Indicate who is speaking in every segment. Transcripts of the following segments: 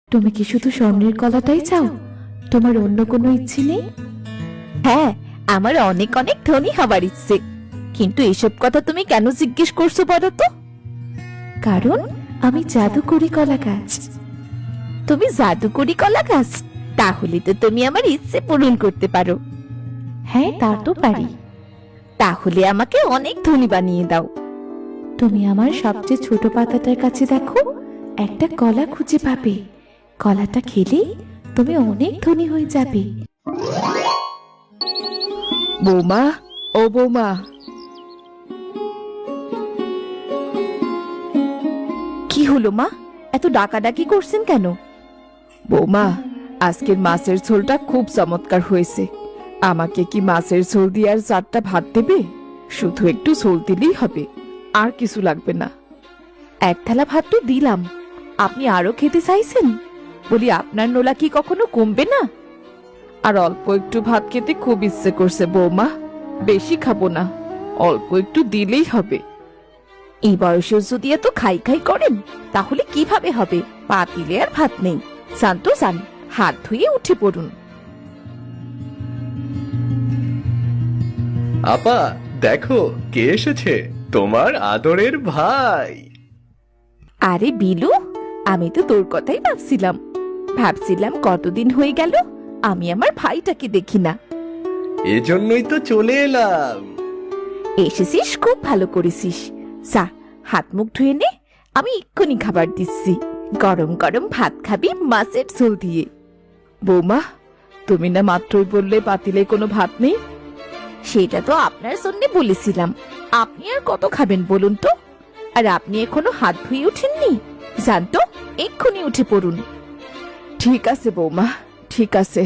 Speaker 1: তুমি কি শুধু স্বর্ণের কলাটাই চাও? তোমার অন্য কোনো ইচ্ছে নেই?
Speaker 2: হ্যাঁ, আমার অনেক অনেক ধনী হবার ইচ্ছে, কিন্তু এসব কথা তুমি কেন জিজ্ঞেস করছো বলো তো?
Speaker 1: কারণ আমি জাদু করি কলা গাছ।
Speaker 2: তুমি জাদুকরি কলা গাছ? তাহলে তো তুমি আমার ইচ্ছে পূরণ করতে পারো।
Speaker 1: হ্যাঁ, তা তো পারি।
Speaker 2: তাহলে আমাকে অনেক ধনী বানিয়ে দাও।
Speaker 1: তুমি আমার সবচেয়ে ছোট পাতাটার কাছে দেখো, একটা কলা খুঁজে পাবে। কলাটা খেলেই তুমি অনেক ধনী হয়ে যাবে।
Speaker 2: বৌমা, ও বৌমা। কি হলো মা, এত ডাকাডাকি করছেন কেন? বৌমা, আজকের মাছের ঝোলটা খুব চমৎকার হয়েছে। আমাকে কি মাছের ঝোল দিয়ে আর 4টা ভাত দেবে? শুধু একটু ঝোল দিলেই হবে, আর কিছু লাগবে না। এক থালা ভাত তো দিলাম, আপনি আরো খেতে চাইছেন? বলি, আপনার নোলা কি কখনো কমবে না? আর অল্প একটু ভাত খেতে খুব ইচ্ছে করছে বৌমা, বেশি খাবো না, অল্প একটু দিলেই হবে। এই বয়সে যদি এত খাই খাই করেন তাহলে কিভাবে হবে? পাতিলে আর ভাত নেই, শান্ত যান, হাত ধুয়ে উঠে পড়ুন।
Speaker 3: আপা, দেখো কে এসেছে, তোমার আদরের ভাই।
Speaker 2: আরে বিলু, আমি তো তোর কথাই ভাবছিলাম কতদিন হয়ে গেল আমি আমার ভাইটাকে দেখি না।
Speaker 3: এজন্যই তো চলে এলাম।
Speaker 2: এসেছিস, খুব ভালো করেছিস। যা, হাত মুখ ধুয়ে নে, আমি এক্ষুনি খাবার দিচ্ছি। গরম গরম ভাত খাবি মাছের ঝোল দিয়ে। বৌমা, তুমি না মাত্রই বললে পাতিলে কোনো ভাত নেই। সেটা তো আপনার জন্য বলেছিলাম, আপনি আর কত খাবেন বলুন তো? আর আপনি এখনো হাত ধুয়ে ওঠেননি? যান তো, এক্ষুনি উঠে পড়ুন। ঠিক আছে বৌমা, ঠিক আছে।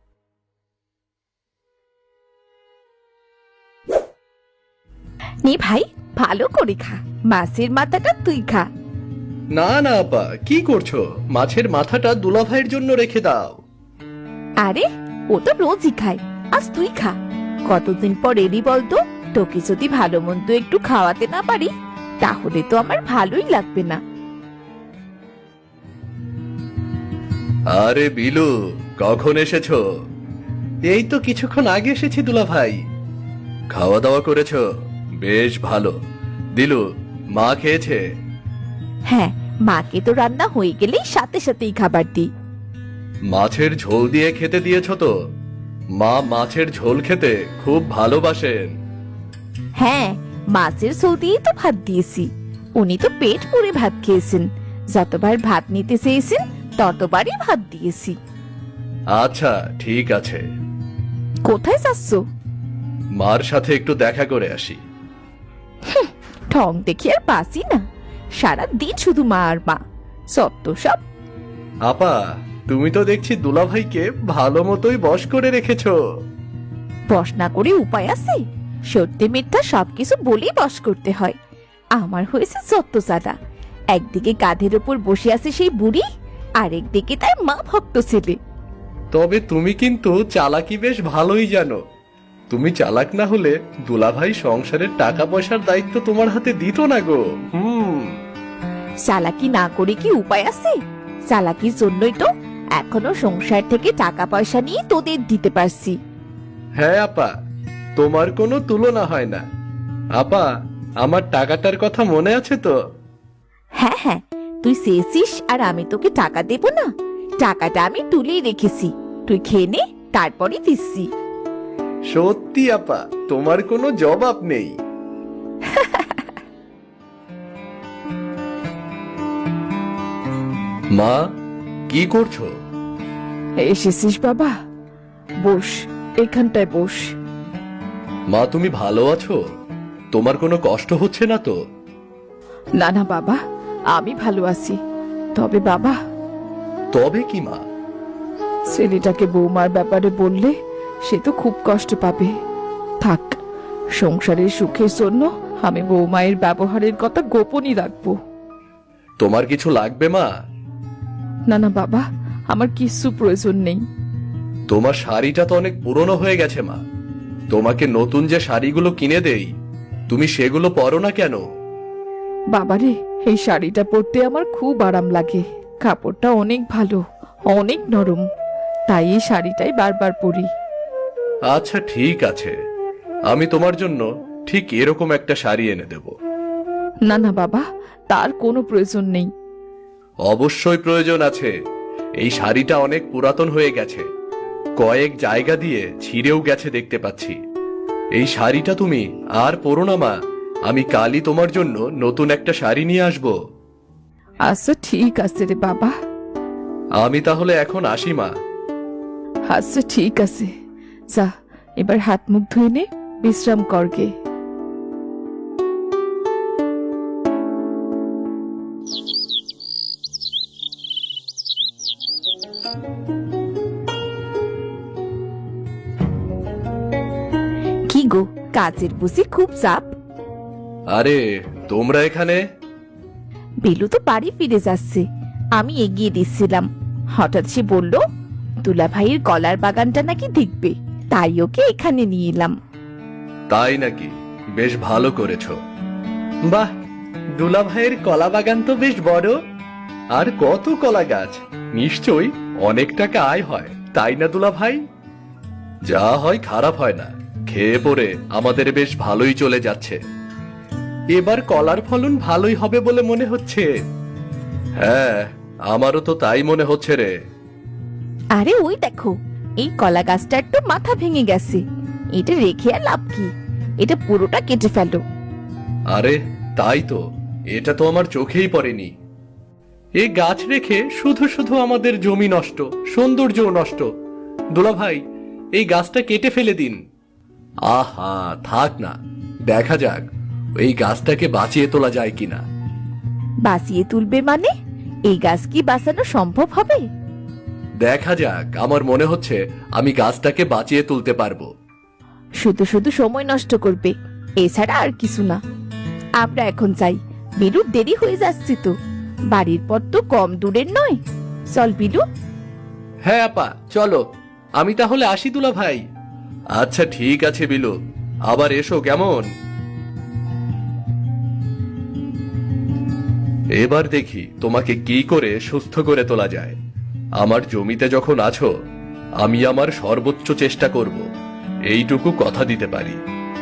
Speaker 2: নে ভাই, ভালো করে খা, মাছের মাথাটা তুই খা।
Speaker 3: না না আপা, কি করছো? মাছের মাথাটা দুলাভাইয়ের জন্য রেখে দাও।
Speaker 2: আরে, ও তো রোজই খায়, আজ তুই খা। কতদিন পর এলি বলতো? তোকে যদি ভালো মন্দ একটু খাওয়াতে না পারি তাহলে তো আমার ভালোই লাগবে না।
Speaker 3: আরে বিলু, কখন এসেছো? এই তো কিছুক্ষণ আগে এসেছি দুলাভাই। খাওয়া দাওয়া করেছো? বেশ ভালো। দিলু, মা খেয়েছে?
Speaker 2: হ্যাঁ, মাকে তো রান্না হয়ে গেলেই সাথে সাথেই খাবার দিই।
Speaker 3: মাছের ঝোল দিয়ে খেতে দিয়েছো তো? মা মাছের ঝোল খেতে খুব ভালোবাসেন।
Speaker 2: হ্যাঁ, মাছের ঝোল দিয়েই তো ভাত দিয়েছি। উনি তো পেট পুরে ভাত খেয়েছেন, যতবার ভাত নিতে চেয়েছেন ততবারই ভাত দিয়েছি।
Speaker 3: আচ্ছা, ঠিক আছে।
Speaker 2: কোথায় যাচ্ছ?
Speaker 3: মার সাথে একটু দেখা করে আসি।
Speaker 2: ঠং দেখি আর বাসি না, সারা দিন শুধু মা আর মা, সত্য সব।
Speaker 3: আপা, তুমি তো দেখছি দুলাভাইকে ভালো মতোই বশ করে রেখেছো।
Speaker 2: বস না করে উপায় আছে? সত্যি মিথ্যা সবকিছু বলেই বস করতে হয়। আমার হয়েছে যত জ্বালা। একদিকে কাঁধের ওপর বসে আছে সেই বুড়ি, আরেকদিকে তার মা ভক্ত ছেলে।
Speaker 3: তবে তুমি কিন্তু চালাকি বেশ ভালোই জানো। তুমি চালাক না হলে দুলাভাই সংসারের টাকা পয়সার দায়িত্ব তোমার হাতে দিত না গো।
Speaker 2: চালাকি না করে কি উপায় আছে? চালাকির জন্যই তো এখনো সংসার থেকে টাকা পয়সা নিয়ে তোদের দিতে পারছি।
Speaker 3: হ্যাঁ আপা, তোমার কোনো তুলনা হয় না। আপা, আমার টাকাটার কথা মনে আছে তো?
Speaker 2: হ্যাঁ হ্যাঁ, তুই চেয়েছিস আর আমি তোকে টাকা দেব না? টাকাটা আমি তুলেই রেখেছি, তুই খেয়ে নে, তারপরে দিচ্ছি।
Speaker 3: সত্যি আপা, তোমার কোনো জবাব নেই। মা, কি করছো?
Speaker 2: এসেছিস বাবা? বস, এখানটায় বস।
Speaker 3: মা, তুমি ভালো আছো? তোমার কোনো কষ্ট হচ্ছে না তো?
Speaker 2: না না বাবা, আমি ভালো আছি। তবে বাবা,
Speaker 3: তবে কি মা?
Speaker 2: ছেলেটাকে বৌমার ব্যাপারে বললে সে তো খুব কষ্ট পাবে। থাক, সংসারের সুখের জন্য আমি বৌমায়ের ব্যবহারের কথা গোপনই রাখবো।
Speaker 3: তোমার কিছু লাগবে মা?
Speaker 2: না না বাবা, আমার কিছু প্রয়োজন নেই।
Speaker 3: তোমার শাড়িটা তো অনেক পুরনো হয়ে গেছে মা। তোমাকে নতুন যে শাড়িগুলো কিনে দেই, তুমি সেগুলো পরো না কেন?
Speaker 2: বাবারে, এই শাড়িটা পরতে আমার খুব আরাম লাগে। কাপড়টা অনেক ভালো, অনেক নরম, তাই এই শাড়িটাই বারবার পরি।
Speaker 3: আচ্ছা ঠিক আছে, আমি তোমার জন্য ঠিক এরকম একটা শাড়ি এনে দেব।
Speaker 2: না না বাবা, তার কোনো প্রয়োজন নেই।
Speaker 3: অবশ্যই প্রয়োজন আছে। এই শাড়িটা অনেক পুরাতন হয়ে গেছে, কয়েক জায়গা দিয়ে ছিঁড়েও গেছে দেখতে পাচ্ছি। এই শাড়িটা তুমি আর পরো না মা, আমি কালই তোমার জন্য নতুন একটা শাড়ি নিয়ে আসব।
Speaker 2: আচ্ছা ঠিক আছে রে বাবা।
Speaker 3: আমি তাহলে এখন আসি মা।
Speaker 2: আচ্ছা ঠিক আছে, যা এবার হাত মুখ ধুয়ে নে, বিশ্রাম করগে।
Speaker 1: কি গো, কাজের বুঝি খুব চাপ?
Speaker 3: আরে তোমরা এখানে?
Speaker 1: বেলু তো বাড়ি ফিরে যাচ্ছে, আমি এগিয়ে দিচ্ছিলাম। হঠাৎ সে বলল দুলা ভাইয়ের কলার বাগানটা নাকি দেখবে, তাই ওকে এখানে নিয়ে এলাম।
Speaker 3: তাই নাকি? বেশ ভালো করেছো। বাহ, দুলা ভাইয়ের কলা বাগান তো বেশ বড়, আর কত কলা গাছ, নিশ্চয়ই অনেক টাকা আয় হয়, তাই না দুলা ভাই? যা হয় খারাপ হয় না, খেয়ে পরে আমাদের বেশ ভালোই চলে যাচ্ছে। এবার কলার ফলন ভালোই হবে বলে মনে হচ্ছে। হ্যাঁ, আমারও তো তাই মনে হচ্ছে রে।
Speaker 1: আরে ওই দেখো, এই কলা গাছটা একটু মাথা ভেঙে গেছে, এটা রেখে আর লাভ কি, এটা পুরোটা কেটে ফেলো।
Speaker 3: আরে তাই তো, এটা তো আমার চোখেই পড়েনি। এই গাছ রেখে শুধু শুধু আমাদের জমি নষ্ট, সৌন্দর্য নষ্ট। দুলা ভাই, এই গাছটা কেটে ফেলে দিন। আহা থাক না, দেখা যাক এই গাছটাকে বাঁচিয়ে তোলা যায় কিনা।
Speaker 1: বাঁচিয়ে তুলবে মানে? এই গাছ কি বাঁচানো সম্ভব হবে?
Speaker 3: দেখা যাক, আমার মনে হচ্ছে আমি গাছটাকে বাঁচিয়ে তুলতে পারবো।
Speaker 1: শুধু শুধু সময় নষ্ট করবে, এছাড়া আর কিছু না। আমরা এখন যাই, বিলুর দেরি হয়ে যাচ্ছে তো, বাড়ির পর তো কম দূরের নয়। চল বিলু।
Speaker 3: হ্যাঁ আপা চলো, আমি তাহলে আসি দুলা ভাই। আচ্ছা ঠিক আছে বিলু, আবার এসো কেমন। এবার দেখি তোমাকে কি করে সুস্থ করে তোলা যায়। আমার জমিতে যখন আছো, আমি আমার সর্বোচ্চ চেষ্টা করব, এইটুকু কথা দিতে পারি।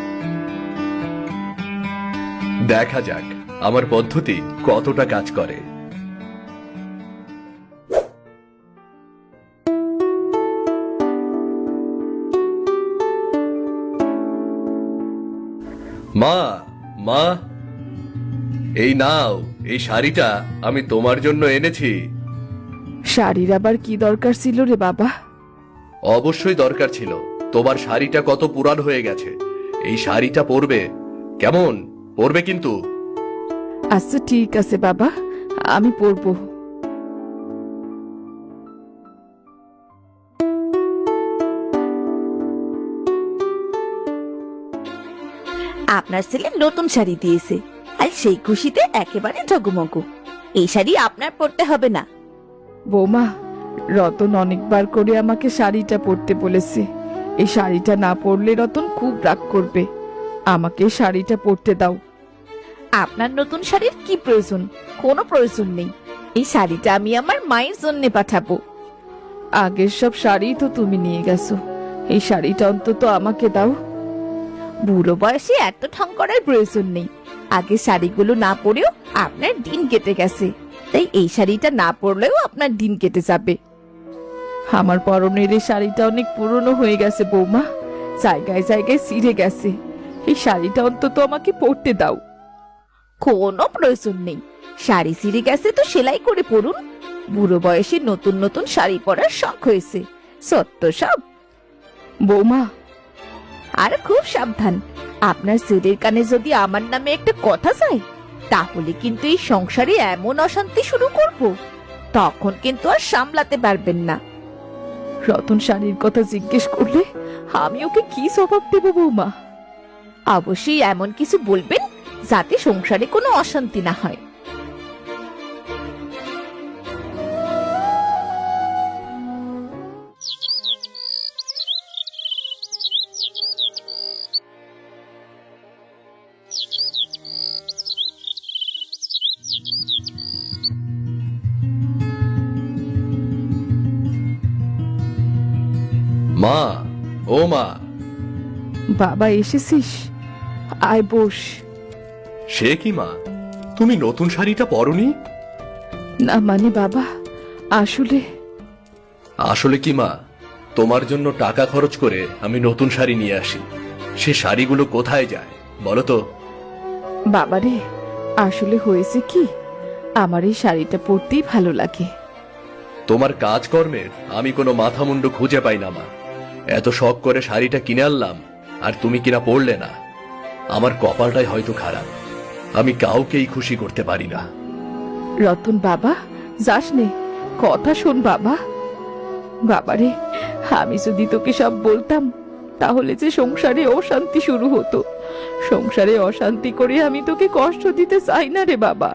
Speaker 3: দেখা যাক আমার পদ্ধতি কতটা কাজ করে। মা, মা, এই নাও, এই শাড়িটা আমি তোমার জন্য এনেছি।
Speaker 2: শাড়ির আবার কি দরকার ছিল রে বাবা?
Speaker 3: অবশ্যই দরকার ছিল, তোমার শাড়িটা কত পুরান হয়ে গেছে, এই শাড়িটা পরবে কেমন, পরবে কিন্তু।
Speaker 2: আচ্ছা ঠিক আছে বাবা, আমি পরবো।
Speaker 1: আপনার ছেলে নতুন শাড়ি দিয়েছে, আর সেই খুশিতে একেবারে ঠগমগু। এই শাড়ি আপনার পরতে হবে না।
Speaker 2: বৌমা, রতন অনেকবার করে আমাকে শাড়িটা পরতে বলেছে। এই শাড়িটা না পরলে রতন খুব রাগ করবে। আমাকে শাড়িটা পরতে দাও।
Speaker 1: আপনার নতুন শাড়ির কি প্রয়োজন? কোনো প্রয়োজন নেই, এই শাড়িটা আমি আমার মায়ের জন্য পাঠাবো।
Speaker 2: আগের সব শাড়ি তো তুমি নিয়ে গেছো, এই শাড়িটা অন্তত আমাকে দাও।
Speaker 1: বুড়ো বয়সে এত ঠং করার প্রয়োজন নেই। আগে শাড়িগুলো না পরেও আপনার দিন কেটে গেছে, তাই এই শাড়িটা না পরলেও আপনার দিন কেটে যাবে।
Speaker 2: আমার পরনের এই শাড়িটা অনেক পুরনো হয়ে গেছে বৌমা, জায়গায় জায়গায় ছিঁড়ে গেছে। এই শাড়িটা অন্তত আমাকে পরতে দাও।
Speaker 1: কোনো প্রয়োজন নেই, শাড়ি ছিঁড়ে গেছে তো সেলাই করে পরুন। বুড়ো বয়সে নতুন নতুন শাড়ি পরার শখ হয়েছে, সত্য সব।
Speaker 2: বৌমা,
Speaker 1: আর খুব সাবধান, আপনার ছেলের কানে যদি আমার নামে একটা কথা যায়, তাহলে কিন্তু এই সংসারে এমন অশান্তি শুরু করব, তখন কিন্তু আর সামলাতে পারবেন না।
Speaker 2: রতন শাড়ির কথা জিজ্ঞেস করলে আমি ওকে কি জবাব দেব বৌমা?
Speaker 1: অবশ্যই এমন কিছু বলবেন যাতে সংসারে কোনো অশান্তি না হয়।
Speaker 3: মা, ও মা।
Speaker 2: বাবা এসেছিস? আয় বস।
Speaker 3: সে কি মা, তুমি নতুন শাড়িটা পরনি?
Speaker 2: না মানে বাবা, আসলে
Speaker 3: আসলে কি মা, তোমার জন্য টাকা খরচ করে আমি নতুন শাড়ি নিয়ে আসি, সে শাড়িগুলো কোথায় যায় বলো তো?
Speaker 2: বাবারে, আসলে হয়েছে কি, আমার এই শাড়িটা পরতেই ভালো লাগে।
Speaker 3: তোমার কাজকর্মের আমি কোনো মাথা মুন্ডু খুঁজে পাই না মা। এত শখ করে শাড়িটা কিনে আনলাম, আর তুমি কিনা পড়লে না। আমার কপালটাই হয়তো খারাপ, আমি কাউকেই খুশি করতে পারি না।
Speaker 2: রতন বাবা, যাস নে, কথা শোন বাবা। বাবারে, আমি যদি তোকে সব বলতাম তাহলে যে সংসারে অশান্তি শুরু হতো। সংসারে অশান্তি করে আমি তোকে কষ্ট দিতে চাই না রে বাবা।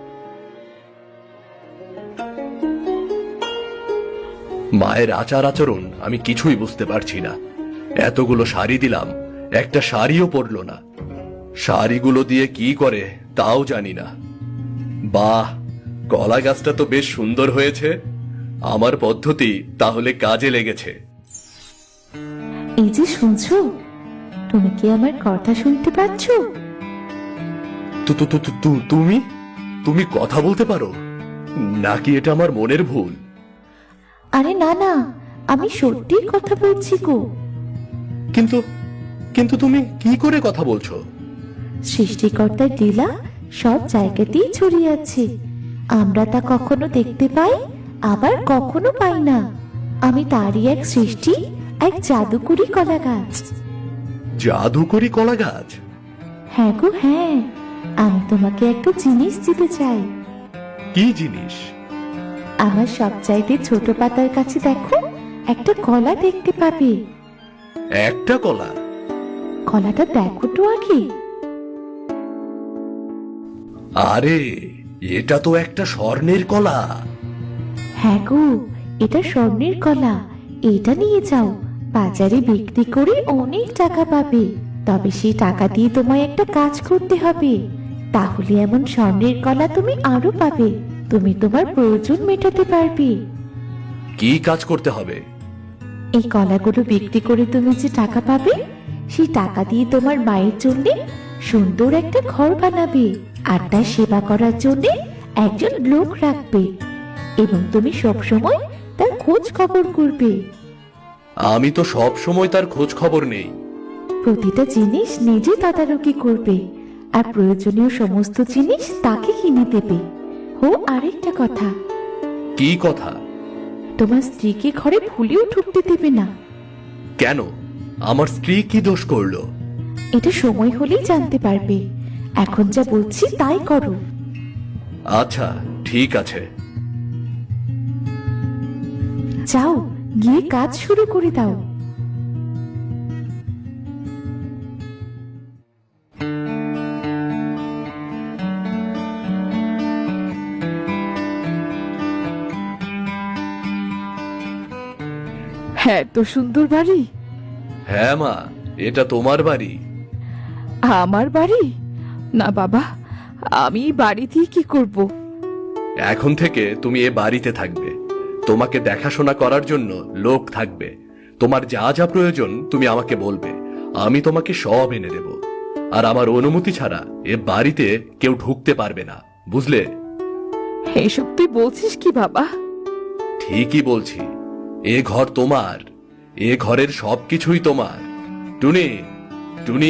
Speaker 3: মায়ের আচার আচরণ আমি কিছুই বুঝতে পারছি না। এতগুলো শাড়ি দিলাম, একটা শাড়িও পরলো না। শাড়িগুলো দিয়ে কি করে তাও জানি না। বাহ, কলা গাছটা তো বেশ সুন্দর হয়েছে। আমার পদ্ধতি তাহলে কাজে লেগেছে।
Speaker 1: এই যে শুনছো, তুমি কি আমার কথা শুনতে পাচ্ছ?
Speaker 3: তুমি তুমি কথা বলতে পারো নাকি এটা আমার মনের ভুল?
Speaker 1: আরে না না, আমি সত্যি কথা বলছি গো।
Speaker 3: কিন্তু কিন্তু তুমি কি করে কথা বলছো?
Speaker 1: সৃষ্টিকর্তার লীলা সব জায়গাতেই ছড়িয়ে আছে। আমরা তা কখনো দেখতে পাই, আবার কখনো পাই না। আমি তারই এক সৃষ্টি, এক জাদুকরি কলা গাছ।
Speaker 3: জাদুকরি কলা গাছ?
Speaker 1: হ্যাঁ গো হ্যাঁ, আমি তোমাকে একটা জিনিস দিতে চাই।
Speaker 3: কি জিনিস?
Speaker 1: আমার সবচাইতে ছোট পাতার কাছে দেখো, একটা কলা দেখতে পাবে।
Speaker 3: একটা কলা?
Speaker 1: কলাটা দেখো তো আগে।
Speaker 3: আরে, এটা তো একটা স্বর্ণের কলা।
Speaker 1: হ্যাঁ গো, এটা স্বর্ণের কলা। এটা নিয়ে যাও, বাজারে বিক্রি করে অনেক টাকা পাবে। তবে সেই টাকা দিয়ে তোমায় একটা কাজ করতে হবে, তাহলে এমন স্বর্ণের কলা তুমি আরো পাবে। তুমি তোমার প্রয়োজন মেটাতে পারবে।
Speaker 3: কি কাজ করতে হবে?
Speaker 1: এই কলাগুলো বিক্রি করে তুমি যে টাকা পাবে, সেই টাকা দিয়ে তোমার মায়ের জন্য সুন্দর একটা ঘর বানাবে, আর তার সেবা করার জন্য একজন লোক রাখবে, এবং তুমি সবসময় তার খোঁজ খবর করবে।
Speaker 3: আমি তো সব সময় তার খোঁজ খবর নেই।
Speaker 1: প্রতিটা জিনিস নিজে তদারকি করবে, আর প্রয়োজনীয় সমস্ত জিনিস তাকে কিনে দেবে। ও আরেকটা কথা,
Speaker 3: কি কথা?
Speaker 1: তোমার স্ত্রীকে ঘরে ভুলেও ঢুকতে দেবে না।
Speaker 3: কেন? আমার স্ত্রী কি দোষ করলো?
Speaker 1: এটা সময় হলেই জানতে পারবে। এখন যা বলছি তাই করো।
Speaker 3: আচ্ছা, ঠিক আছে।
Speaker 1: যাও, গিয়ে কাজ শুরু করে দাও।
Speaker 2: হ্যাঁ, তো সুন্দর বাড়ি।
Speaker 3: হ্যাঁ মা, এটা তোমার বাড়ি।
Speaker 2: আমার বাড়ি? না বাবা, আমি এই বাড়ি দিয়ে কি করব?
Speaker 3: এখন থেকে তুমি এ বাড়িতে থাকবে। তোমাকে দেখাশোনা করার জন্য লোক থাকবে। তোমার যা যা প্রয়োজন তুমি আমাকে বলবে, আমি তোমাকে সব এনে দেব। আর আমার অনুমতি ছাড়া এ বাড়িতে কেউ ঢুকতে পারবে না, বুঝলে?
Speaker 2: এসব তুই বলছিস কি বাবা?
Speaker 3: ঠিকই বলছি। এ ঘর তোমার, এ ঘরের সবকিছুই তোমার। টুনি, টুনি।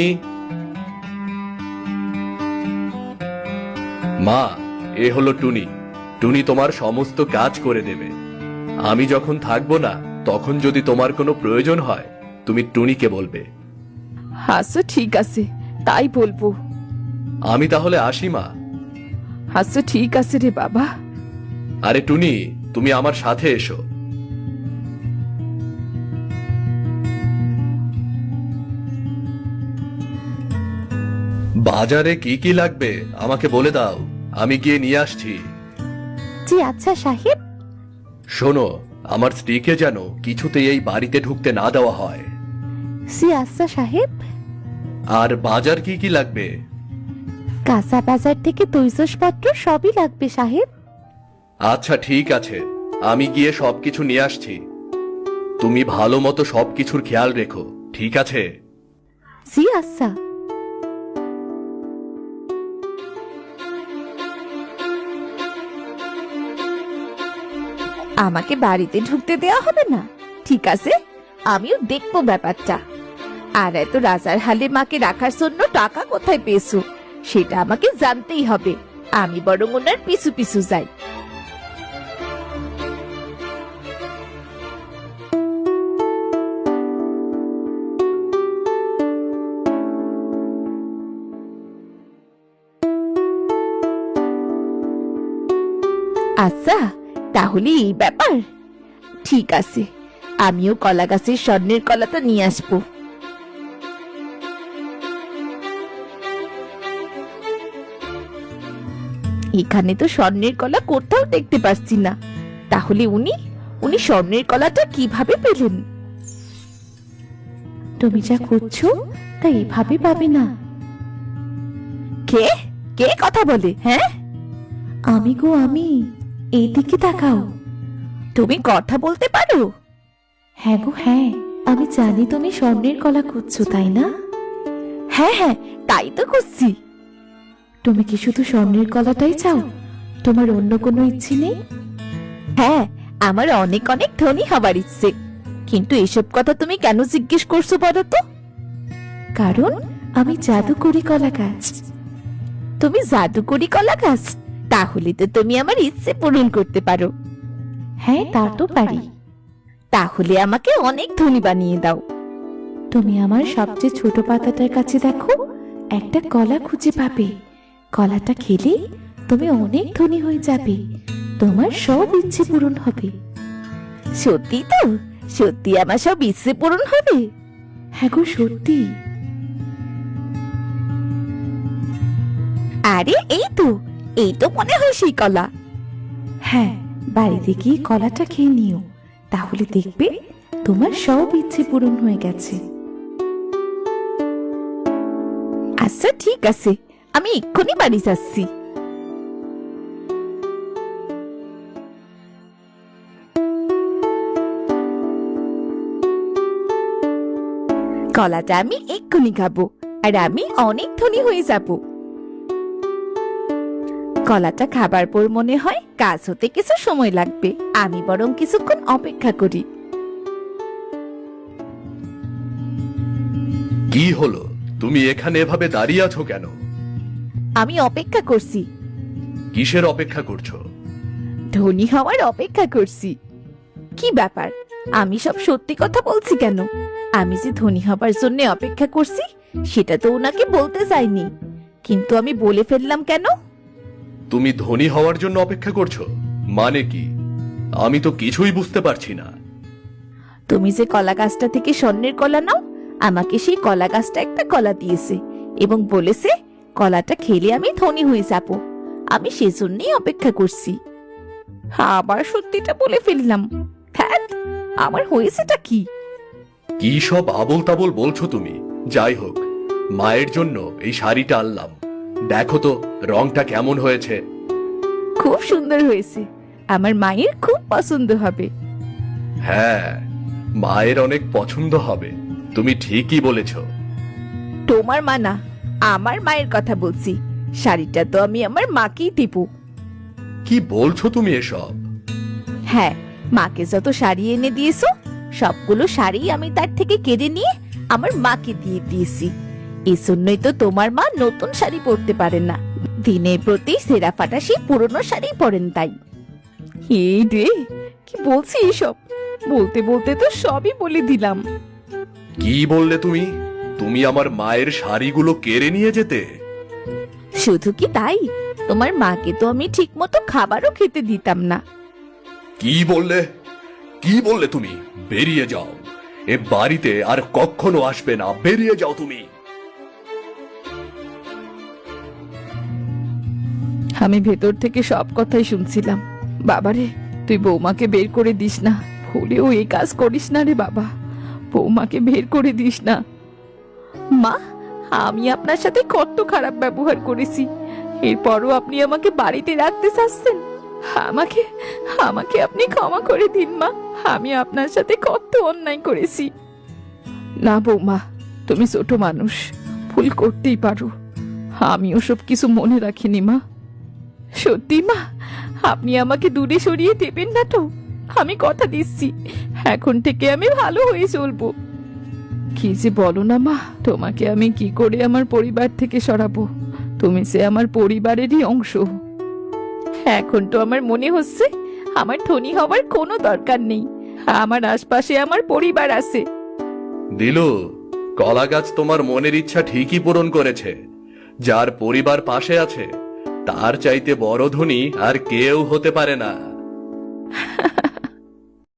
Speaker 3: মা, এ হলো টুনি। টুনি তোমার সমস্ত কাজ করে দেবে। আমি যখন থাকবো না, তখন যদি তোমার কোনো প্রয়োজন হয় তুমি টুনিকে বলবে।
Speaker 2: আচ্ছা ঠিক আছে, তাই বলবো।
Speaker 3: আমি তাহলে আসি মা।
Speaker 2: আচ্ছা ঠিক আছে রে বাবা।
Speaker 3: আরে টুনি, তুমি আমার সাথে এসো। বাজারে কি কি লাগবে আমাকে বলে দাও, আমি গিয়ে নিয়ে আসছি।
Speaker 1: জি আচ্ছা সাহেব।
Speaker 3: শোনো, আমার স্ত্রীকে যেন কিছুতেই এই বাড়িতে ঢুকতে না দেওয়া হয়।
Speaker 1: জি আচ্ছা সাহেব।
Speaker 3: আর বাজার কি কি লাগবে?
Speaker 1: কাঁচা বাজার থেকে তৈজসপত্র সবই লাগবে সাহেব।
Speaker 3: আচ্ছা ঠিক আছে, আমি গিয়ে সবকিছু নিয়ে আসছি। তুমি ভালো মতো সবকিছুর খেয়াল রেখো, ঠিক আছে?
Speaker 1: জি আচ্ছা। আমাকে বাড়িতে ঢুকতে দেওয়া হবে না? ঠিক আছে, আমিও দেখবো ব্যাপারটা। আর এত রাজার হালে মাকে রাখার জন্য টাকা কোথায় পেয়েছো সেটা আমাকে জানতেই হবে। আমি বরং ওনার পিছু পিছু যাই। আচ্ছা, তাহলে এই ব্যাপার। ঠিক আছে, আমিও কলা গাছের স্বর্ণের কলাটা নিয়ে আসবো। এখানে তো স্বর্ণের কলা কোথাও দেখতে পাচ্ছি না। তাহলে উনি উনি স্বর্ণের কলাটা কিভাবে পেলেন? তুমি যা করছো তা এভাবে পাবে না। কে কে কথা বলে? হ্যাঁ, আমি গো, আমি। এইদিকে তাকাও। তুমি কথা বলতে পারো? হ্যাঁ গো হ্যাঁ, আমি জানি তুমি স্বর্ণের কলা খুঁজছো, তাই না? হ্যাঁ হ্যাঁ, তাই তো খুঁজছি। তুমি কি শুধু স্বর্ণের কলাটাই চাও? তোমার অন্য কোনো ইচ্ছে নেই? হ্যাঁ, আমার অনেক অনেক ধনী হবার ইচ্ছে। কিন্তু এসব কথা তুমি কেন জিজ্ঞেস করছো বলো তো? কারণ আমি জাদুকরি কলা গাছ। তুমি জাদুকরি কলা গাছ? তাহলে তো তুমি আমার ইচ্ছে পূরণ করতে পারো। হ্যাঁ, তা তো পারি। তাহলে আমাকে অনেক ধনী বানিয়ে দাও। তুমি আমার সবচেয়ে ছোট পাতাটার কাছে দেখো, একটা কলা খুঁজে পাবে। কলাটা খেলে তুমি অনেক ধনী হয়ে যাবে, তোমার সব ইচ্ছে পূরণ হবে। সত্যি তো? সত্যি আমার সব ইচ্ছে পূরণ হবে? হ্যাঁ গো, সত্যি। আরে এই তো মনে হয় সেই কলা। হ্যাঁ, বাড়িতে গিয়ে কলাটা খেয়ে নিও, তাহলে দেখবে তোমার সব ইচ্ছে পূরণ হয়ে গেছে। আচ্ছা ঠিক আছে, আমি এক্ষুনি বাড়ি যাচ্ছি। কলাটা আমি এক্ষুনি খাবো, আর আমি অনেক ধনী হয়ে যাব। কলাটা খাবার পর মনে হয় কাজ হতে কিছু সময় লাগবে। আমি বরং কিছুক্ষণ অপেক্ষা করি।
Speaker 3: কি হলো, তুমি এখানে এভাবে দাঁড়িয়ে আছো কেন?
Speaker 1: আমি অপেক্ষা করছি।
Speaker 3: কিসের অপেক্ষা করছো?
Speaker 1: ধনী হওয়ার অপেক্ষা করছি। কি ব্যাপার, আমি সব সত্যি কথা বলছি কেন? আমি যে ধনী হবার জন্য অপেক্ষা করছি সেটা তো ওনাকে বলতে চাইনি, কিন্তু আমি বলে ফেললাম কেন?
Speaker 3: তুমি ধনী হওয়ার জন্য অপেক্ষা করছো মানে কি? আমি তো কিছুই বুঝতে পারছি না।
Speaker 1: তুমি যে কলা গাছটা থেকে স্বর্ণের কলা নাও, আমাকে সেই কলা গাছটা একটা কলা দিয়েছে এবং বলেছে কলাটা খেলে আমি ধনী হয়ে যাব। আমি সেজন্যই অপেক্ষা করছি। আবার সত্যিটা বলে ফেললাম। ধ্যাৎ, আমার হয়েছেটা কি?
Speaker 3: কি সব আবোল তাবোল বলছো তুমি? যাই হোক, মায়ের জন্য এই শাড়িটা আনলাম, দেখো তো রংটা কেমন হয়েছে।
Speaker 1: খুব সুন্দর হয়েছে, আমার মায়ের খুব পছন্দ হবে।
Speaker 3: হ্যাঁ, মায়ের অনেক পছন্দ হবে, তুমি ঠিকই বলেছো।
Speaker 1: তোমার মা না, আমার মায়ের কথা বলছি। শাড়িটা তো আমি আমার মাকেই দেব।
Speaker 3: কি বলছো তুমি এসব?
Speaker 1: হ্যাঁ, মাকে যত শাড়ি এনে দিয়েছো সবগুলো শাড়ি আমি তার থেকে কেড়ে নিয়ে আমার মাকে দিয়ে দিয়েছি। এই জন্যই তো তোমার মা নতুন শাড়ি পরতে পারেন না, দিনের প্রতি সেরা ফাটা সেই পুরনো শাড়ি পরেন তাই। এই রে, কি বলছি এসব? বলতে বলতে তো সবই বলে দিলাম।
Speaker 3: কি বললে তুমি? তুমি আমার মায়ের শাড়িগুলো কেড়ে নিয়ে যেতে?
Speaker 1: শুধু কি তাই, তোমার মাকে তো আমি ঠিক মতো খাবারও খেতে দিতাম না।
Speaker 3: কি বললে? কি বললে তুমি? বেরিয়ে যাও, এ বাড়িতে আর কখনো আসবে না, বেরিয়ে যাও তুমি।
Speaker 2: আমি ভেতর থেকে সব কথাই শুনছিলাম। বাবারে, তুই বৌমাকে বের করে দিস না, ভুলেও এই কাজ করিস না রে বাবা। বৌমাকে বের করে দিস না।
Speaker 1: মা, আমি আপনার সাথে কত খারাপ ব্যবহার করেছি, এরপরও আপনি আমাকে বাড়িতে রাখতে চাচ্ছেন?
Speaker 2: আমাকে আমাকে আপনি ক্ষমা করে দিন মা, আমি আপনার সাথে কত অন্যায় করেছি। না বৌমা, তুমি ছোট মানুষ, ভুল করতেই পারো। আমি ওসব কিছু মনে রাখিনি মা। সত্যি মা, আপনি আমাকে দূরে সরিয়ে দেবেন না তো? আমি কথা দিচ্ছি, এখন থেকে আমি ভালো হয়ে চলবো। কি যে বলো না মা, তোমাকে আমি কি করে আমার পরিবার থেকে সরাবো? তুমি যে আমার পরিবারেরই অংশ। এখন তো আমার মনে হচ্ছে আমার ধনী হওয়ার কোনো দরকার নেই, আমার আশপাশে আমার পরিবার আছে।
Speaker 3: দিলু, কলা গাছ তোমার মনের ইচ্ছা ঠিকই পূরণ করেছে। যার পরিবার পাশে আছে, তার চাইতে বড় ধনী আর কেউ হতে পারে না।